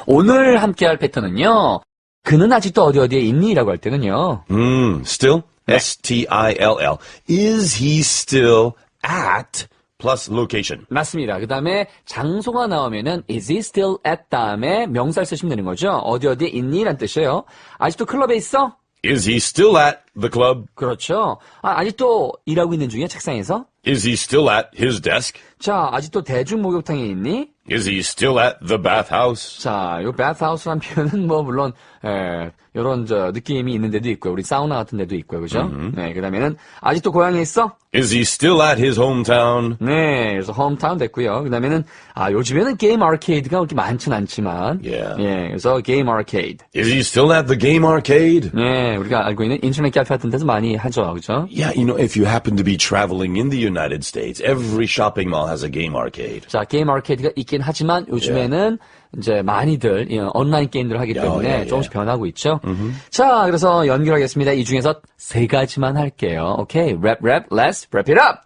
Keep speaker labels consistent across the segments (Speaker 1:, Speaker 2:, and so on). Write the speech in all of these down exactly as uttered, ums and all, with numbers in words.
Speaker 1: 오늘 함께할 패턴은요. 그는 아직도 어디 어디에 있니? 라고 할 때는요.
Speaker 2: Mm, still?
Speaker 1: 네.
Speaker 2: S T I L L. Is he still at plus location?
Speaker 1: 맞습니다. 그 다음에 장소가 나오면은 is he still at 다음에 명사를 쓰시면 되는 거죠. 어디 어디에 있니? 라는 뜻이에요. 아직도 클럽에 있어?
Speaker 2: Is he still at the club?
Speaker 1: 그렇죠. 아, 아직도 일하고 있는 중이야, 책상에서?
Speaker 2: Is he still at his desk?
Speaker 1: 자, 아직도 대중 목욕탕에 있니?
Speaker 2: Is he still at the bathhouse?
Speaker 1: 자, 요 bathhouse란 표현은 뭐 물론 에, 요런 저 느낌이 있는 데도 있고요. 우리 사우나 같은 데도 있고요. 그죠?
Speaker 2: Mm-hmm.
Speaker 1: 네, 그다음에는 아직도 고향에 있어?
Speaker 2: Is he still at his hometown?
Speaker 1: 네, 그래서 홈타운 됐고요. 그다음에는 아, 요즘에는 게임 아케이드가 그렇게 많진 않지만
Speaker 2: Yeah.
Speaker 1: 예, 그래서 게임 아케이드.
Speaker 2: Is he still at the game arcade?
Speaker 1: 네, 우리가 알고 있는 인터넷 카페 같은 데서 많이 하죠. 그죠?
Speaker 2: Yeah, you know, if you happen to be traveling in the United States, every shopping mall has a game arcade.
Speaker 1: 자, 게임 아케이드가 있긴 하지만 요즘에는 이제 많이들 예, 온라인 게임들을 하기 때문에
Speaker 2: 예, 예.
Speaker 1: 조금씩 변하고 있죠. 자, 그래서 연결하겠습니다. 이 중에서 세 가지만 할게요. 오케이, 랩, 랩, let's wrap it up.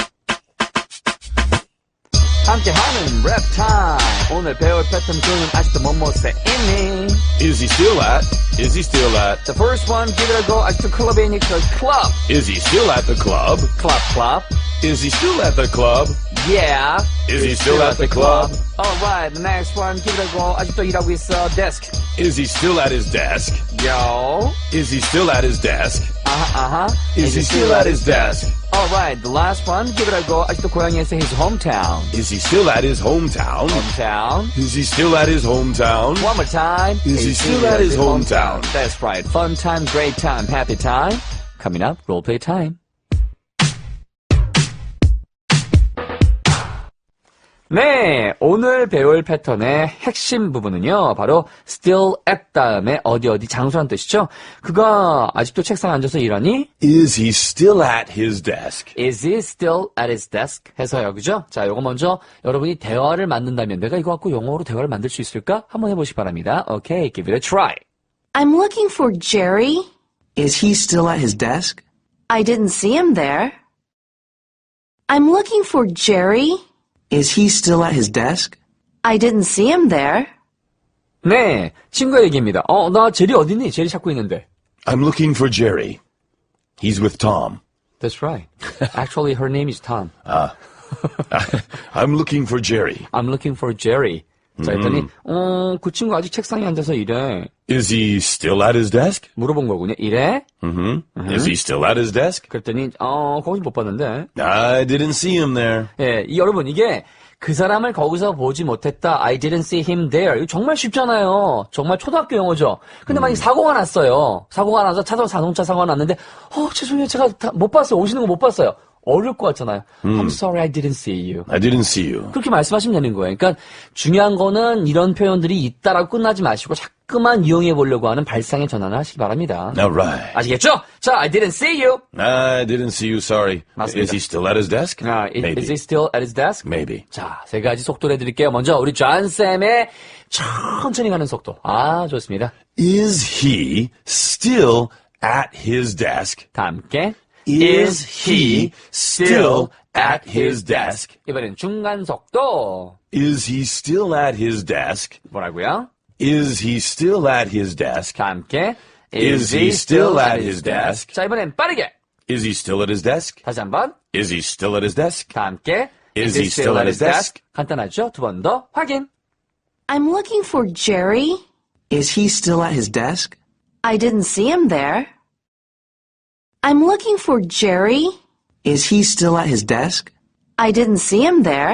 Speaker 1: 함께하는 랩 타임. 오늘 배울 패턴 중은 아직도 뭐뭐세 있니?
Speaker 2: Is he still at? Is he still at?
Speaker 1: The first one, give it a go. 아직도 클럽에 있니? 그 클럽.
Speaker 2: Is he still at the club?
Speaker 1: 클럽, 클럽.
Speaker 2: Is he still at the club?
Speaker 1: Yeah.
Speaker 2: Is he still at the club?
Speaker 1: Alright, the next one, give it a go. 아직도 일하고 있어. Desk.
Speaker 2: Is he still at his desk?
Speaker 1: Yo.
Speaker 2: Is he still at his desk?
Speaker 1: Uh-huh, uh-huh.
Speaker 2: Is he still at his desk?
Speaker 1: Alright, the last one, give it a go. 아직도 고향에서 his hometown.
Speaker 2: Is he still at his hometown?
Speaker 1: Hometown.
Speaker 2: Is he still at his hometown?
Speaker 1: One more time.
Speaker 2: Is he still at his hometown?
Speaker 1: That's right. Fun time, great time, happy time. Coming up, role play time. 네, 오늘 배울 패턴의 핵심 부분은요, 바로 still at 다음에 어디 어디 장소란 뜻이죠. 그가 아직도 책상에 앉아서 일하니?
Speaker 2: Is he still at his desk?
Speaker 1: Is he still at his desk? 해서요, 그죠? 자, 요거 먼저 여러분이 대화를 만든다면 내가 이거 갖고 영어로 대화를 만들 수 있을까? 한번 해보시기 바랍니다. Okay, give it a try.
Speaker 3: I'm looking for Jerry.
Speaker 4: Is he still at his desk?
Speaker 3: I didn't see him there. I'm looking for Jerry.
Speaker 4: Is he still at his desk?
Speaker 3: I didn't see him there.
Speaker 1: 네, 친구의 얘기입니다. 어, 나 제리 어딨니? 제리 찾고 있는데.
Speaker 2: I'm looking for Jerry. He's with Tom.
Speaker 1: That's right. Actually, her name is Tom.
Speaker 2: I'm looking for Jerry.
Speaker 1: I'm looking for Jerry. 자, 했더니, 어, 그 친구 아직 책상에 앉아서 일해.
Speaker 2: Is he still at his desk?
Speaker 1: 물어본 거군요. 일해?
Speaker 2: Mm-hmm. Is he still at his desk?
Speaker 1: 그랬더니, 어, 거기 못 봤는데.
Speaker 2: I didn't see him there.
Speaker 1: 예, 이 여러분, 이게 그 사람을 거기서 보지 못했다. I didn't see him there. 이거 정말 쉽잖아요. 정말 초등학교 영어죠. 근데 만약에 사고가 났어요. 사고가 나서 차도 자동차 사고가 났는데, 어, 죄송해요. 제가 다 못 봤어요. 오시는 거 못 봤어요. 어려울 것 같잖아요. I'm sorry, I didn't see you.
Speaker 2: I didn't see you.
Speaker 1: 그렇게 말씀하시면 되는 거예요. 그러니까 중요한 거는 이런 표현들이 있다라고 끝나지 마시고 자꾸만 이용해 보려고 하는 발상의 전환을 하시기 바랍니다.
Speaker 2: All right.
Speaker 1: 아시겠죠? 자, I didn't see you.
Speaker 2: I didn't see you, sorry.
Speaker 1: 맞습니다.
Speaker 2: Is he still at his desk?
Speaker 1: 아, is,
Speaker 2: Maybe.
Speaker 1: is he still at his desk?
Speaker 2: Maybe.
Speaker 1: 자, 세 가지 속도를 해드릴게요. 먼저 우리 존쌤의 천천히 가는 속도. 아, 좋습니다.
Speaker 2: Is he still at his desk?
Speaker 1: 다 함께.
Speaker 2: Is he still at his desk?
Speaker 1: 이번엔 중간 속도.
Speaker 2: Is he still at his desk?
Speaker 1: 뭐라고요?
Speaker 2: Is he still at his desk?
Speaker 1: 다 함께.
Speaker 2: Is he still at his desk?
Speaker 1: 자, 이번엔 빠르게.
Speaker 2: Is he still at his desk?
Speaker 1: 다시 한번.
Speaker 2: Is he still at his desk?
Speaker 1: 다 함께.
Speaker 2: Is he still at his desk?
Speaker 1: 간단하죠? 두 번 더 확인.
Speaker 3: I'm looking for Jerry.
Speaker 4: Is he still at his desk?
Speaker 3: I didn't see him there. I'm looking for Jerry.
Speaker 4: Is he still at his desk?
Speaker 3: I didn't see him there.